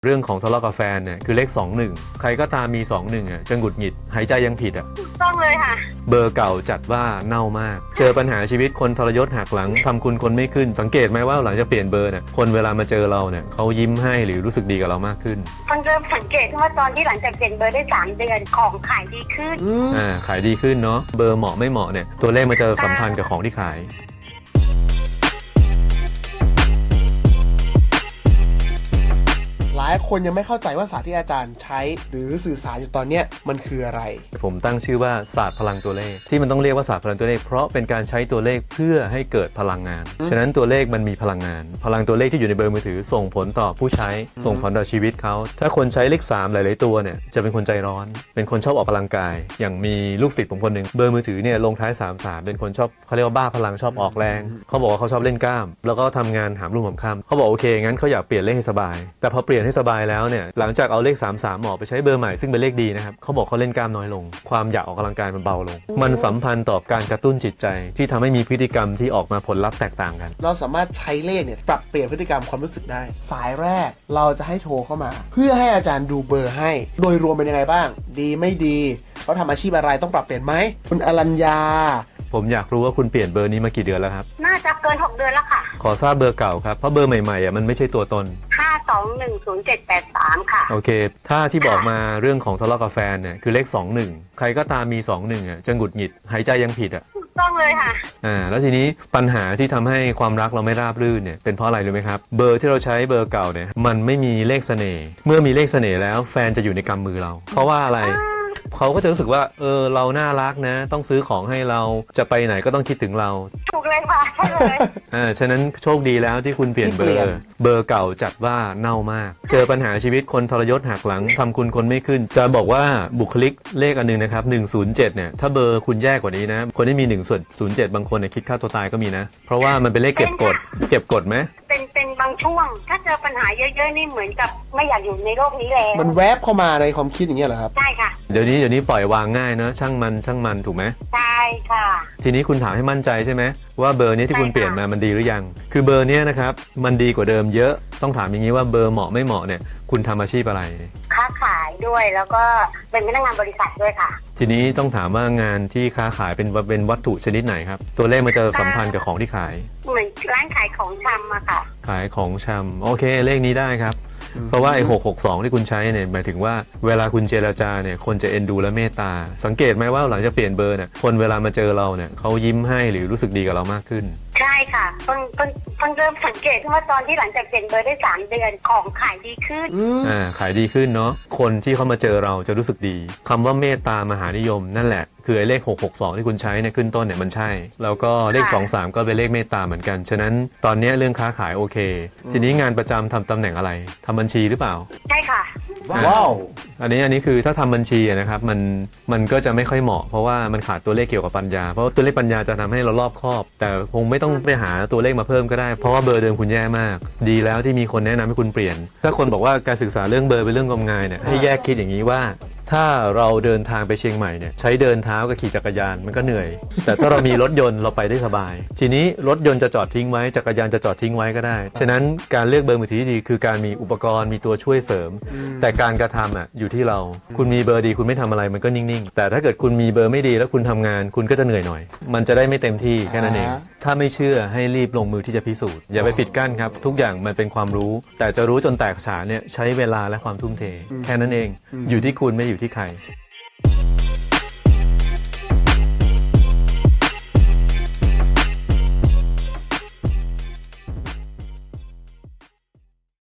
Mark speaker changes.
Speaker 1: เรื่องของทะเลาะกับแฟนเนี่ยคือเลข21ใครก็ตามมี21อ่ะจะหงุดหงิดหายใจยังผิดอ่ะ
Speaker 2: ต้องเลยค่ะ
Speaker 1: เบอร์เก่าจัดว่าเน่ามากเจอปัญหาชีวิตคนทรยศหักหลังทำคุณคนไม่ขึ้นสังเกตไหมว่าหลังจากเปลี่ยนเบอร์เนี่ยคนเวลามาเจอเราเนี่ยเขายิ้มให้หรือรู้สึกดีกับเรามากขึ้น
Speaker 2: มันเริ่มสังเกตว่าตอนที่หลังจากเปลี่ยนเบอร์ได้3 เดือนของขายดีขึ้น
Speaker 1: ขายดีขึ้นเนาะเบอร์เหมาะไม่เหมาะเนี่ยตัวเลขมันจะสัมพันธ์กับของที่ขาย
Speaker 3: หลายคนยังไม่เข้าใจว่าศาสตร์ที่อาจารย์ใช้หรือสื่อสารอยู่ตอนนี้มันคืออะไร
Speaker 1: ผมตั้งชื่อว่าศาสตร์พลังตัวเลขที่มันต้องเรียกว่าศาสตร์พลังตัวเลขเพราะเป็นการใช้ตัวเลขเพื่อให้เกิดพลังงานฉะนั้นตัวเลขมันมีพลังงานพลังตัวเลขที่อยู่ในเบอร์มือถือส่งผลต่อผู้ใช้ส่งผลต่อชีวิตเขาถ้าคนใช้เลข3หลายๆตัวเนี่ยจะเป็นคนใจร้อนเป็นคนชอบออกกำลังกายอย่างมีลูกศิษย์ผมคนหนึ่งเบอร์มือถือเนี่ยลงท้าย33เป็นคนชอบเขาเรียกว่าบ้าพลังชอบออกแรงเขาบอกว่าเขาชอบเล่นกล้ามแล้วก็ทำงานหามรุ่งหามค่ำเขาบอกโอเคงั้นเขาอยากเปลี่ยนเลขให้สบายแต่พอเปลี่ยนให้สบายแล้วเนี่ยหลังจากเอาเลข33หมอไปใช้เบอร์ใหม่ซึ่งเป็นเลขดีนะครับเขาบอกเขาเล่นกล้ามน้อยลงความอยากออกกำลังกายมันเบาลงมันสัมพันธ์ต่อการกระตุ้นจิตใจที่ทำให้มีพฤติกรรมที่ออกมาผลลัพธ์แตกต่างกัน
Speaker 3: เราสามารถใช้เลขเนี่ยปรับเปลี่ยนพฤติกรรมความรู้สึกได้สายแรกเราจะให้โทรเข้ามาเพื่อให้อาจารย์ดูเบอร์ให้โดยรวมเป็นยังไงบ้างดีไม่ดีเขาทำอาชีพอะไรต้องปรับเปลี่ยนไหมคุณอรัญญา
Speaker 1: ผมอยากรู้ว่าคุณเปลี่ยนเบอร์นี้มากี่เดือนแล้วครับ
Speaker 2: น่าจะเกิน6 เดือนแล้วค่ะ
Speaker 1: ขอทราบเบอร์เก่าครับเพราะเบอร์ใหม่ๆมันไม่ใช่ตัวตน
Speaker 2: 5210783ค่ะ
Speaker 1: โอเคถ้าที่บอกมาเรื่องของทะเลาะกับแฟนเนี่ยคือเลข21ใครก็ตามมี21อ่ะจะหงุดหงิดหายใจยังผิดอ่ะ
Speaker 2: ต้องเลยค่ะ
Speaker 1: แล้วทีนี้ปัญหาที่ทำให้ความรักเราไม่ราบรื่นเนี่ยเป็นเพราะอะไรรู้ไหมครับเบอร์ที่เราใช้เบอร์เก่าเนี่ยมันไม่มีเลขเสน่ห์เมื่อมีเลขเสน่ห์แล้วแฟนจะอยู่ในกำมือเราเพราะว่าอะไรเขาก็จะรู้สึกว่าเราน่ารักนะต้องซื้อของให้เราจะไปไหนก็ต้องคิดถึงเรา
Speaker 2: ถูกเลยค่ะใช่เลย
Speaker 1: ฉะนั้นโชคดีแล้วที่คุณเปลี่ยนเบอร์เก่าจัดว่าเน่ามากเจอปัญหาชีวิตคนทรยศหักหลังทำคุณคนไม่ขึ้นจะบอกว่าบุคลิกเลขอันนึงนะครับ107เนี่ยถ้าเบอร์คุณแย่กว่านี้นะคนที่มี107บางคนเนี่ยคิดฆ่าตัวตายก็มีนะเพราะว่ามันเป็นเลขเก็บกดไหม
Speaker 2: เป็นบางช่วงถ้าเจอปัญหาเยอะๆนี่เหมือนกับไม่อยากอยู่ในโลกนี้แล้ว
Speaker 3: มันแวบเข้ามาในความคิดอย่างเงี้ยเหรอครับ
Speaker 2: ใช่ค่ะ
Speaker 1: เดี๋ยวนี้ปล่อยวางง่ายเนอะช่างมันถูกไหม
Speaker 2: ใช่ค่ะ
Speaker 1: ทีนี้คุณถามให้มั่นใจใช่ไหมว่าเบอร์นี้ที่คุณเปลี่ยนมามันดีหรือยังคือเบอร์นี้นะครับมันดีกว่าเดิมเยอะต้องถามอย่างนี้ว่าเบอร์เหมาะไม่เหมาะเนี่ยคุณทำอาชีพอะไร
Speaker 2: ค้าขายด้วยแล้วก็เป็นพนักงานบริษัทด้วยค่ะ
Speaker 1: ทีนี้ต้องถามว่างานที่ค้าขายเป็นวัตถุชนิดไหนครับตัวเลขมันจะสัมพันธ์กับของที่ขาย
Speaker 2: เหมือนร้านขายของชำอะค่ะ
Speaker 1: ขายของชำโอเคเลขนี้ได้ครับเพราะว่าไอ้662ที่คุณใช้เนี่ยหมายถึงว่าเวลาคุณเจรจาเนี่ยคนจะเอ็นดูและเมตตาสังเกตไหมว่าหลังจากเปลี่ยนเบอร์เนี่ยคนเวลามาเจอเราเนี่ยเขายิ้มให้หรือรู้สึกดีกับเรามากขึ้น
Speaker 2: ใช่ค่ะเพิ่งเริ่มสังเกตว่าตอนที่หลังจากเปลี่ยนเบอร์ได้3 เดือนของขายดีขึ้น
Speaker 1: ขายดีขึ้นเนาะคนที่เขามาเจอเราจะรู้สึกดีคำว่าเมตตามหานิยมนั่นแหละคือไอ้เลข662ที่คุณใช้เนี่ยขึ้นต้นเนี่ยมันใช่แล้วก็เลข23ก็เป็นเลขเมตตาเหมือนกันฉะนั้นตอนนี้เรื่องค้าขายโอเคทีนี้งานประจำทำตำแหน่งอะไรทำบัญชีหรือเปล่า
Speaker 2: ใช่ค่ะ
Speaker 3: ว้าว
Speaker 1: อันนี้คือถ้าทำบัญชีนะครับมันก็จะไม่ค่อยเหมาะเพราะว่ามันขาดตัวเลขเกี่ยวกับปัญญาเพราะตัวเลขปัญญาจะทำให้เรารอบคอบแต่คงไม่ต้องไปหาตัวเลขมาเพิ่มก็ได้เพราะว่าเบอร์เดิมคุณแย่มากดีแล้วที่มีคนแนะนำให้คุณเปลี่ยนถ้าคนบอกว่าการศึกษาเรื่องเบอร์เป็นเรื่องงมงายเนี่ยให้แยกคิดอย่างนี้ว่าถ้าเราเดินทางไปเชียงใหม่เนี่ยใช้เดินเท้ากับขี่จักรยานมันก็เหนื่อยแต่ถ้าเรามีรถยนต์เราไปได้สบายทีนี้รถยนต์จะจอดทิ้งไว้จักรยานจะจอดทิ้งไว้ก็ได้ฉะนั้นการเลือกเบอร์มือถือที่ดีคือการมีอุปกรณ์มีตัวช่วยเสริมแต่การกระทำอยู่ที่เราคุณมีเบอร์ดีคุณไม่ทำอะไรมันก็นิ่งๆแต่ถ้าเกิดคุณมีเบอร์ไม่ดีแล้วคุณทำงานคุณก็จะเหนื่อยหน่อยมันจะได้ไม่เต็มที่แค่นั้นเองถ้าไม่เชื่อให้รีบลงมือที่จะพิสูจน์อย่าไปปิดกั้นครับทุกอย่างมันเป็นความรู้แต่จะรู้จนแตกฉานเนี่ยใช้เวลาและความทุ่มเทแค่นั้นเองอยู่ที่คุณไม่อยู่ที่ใคร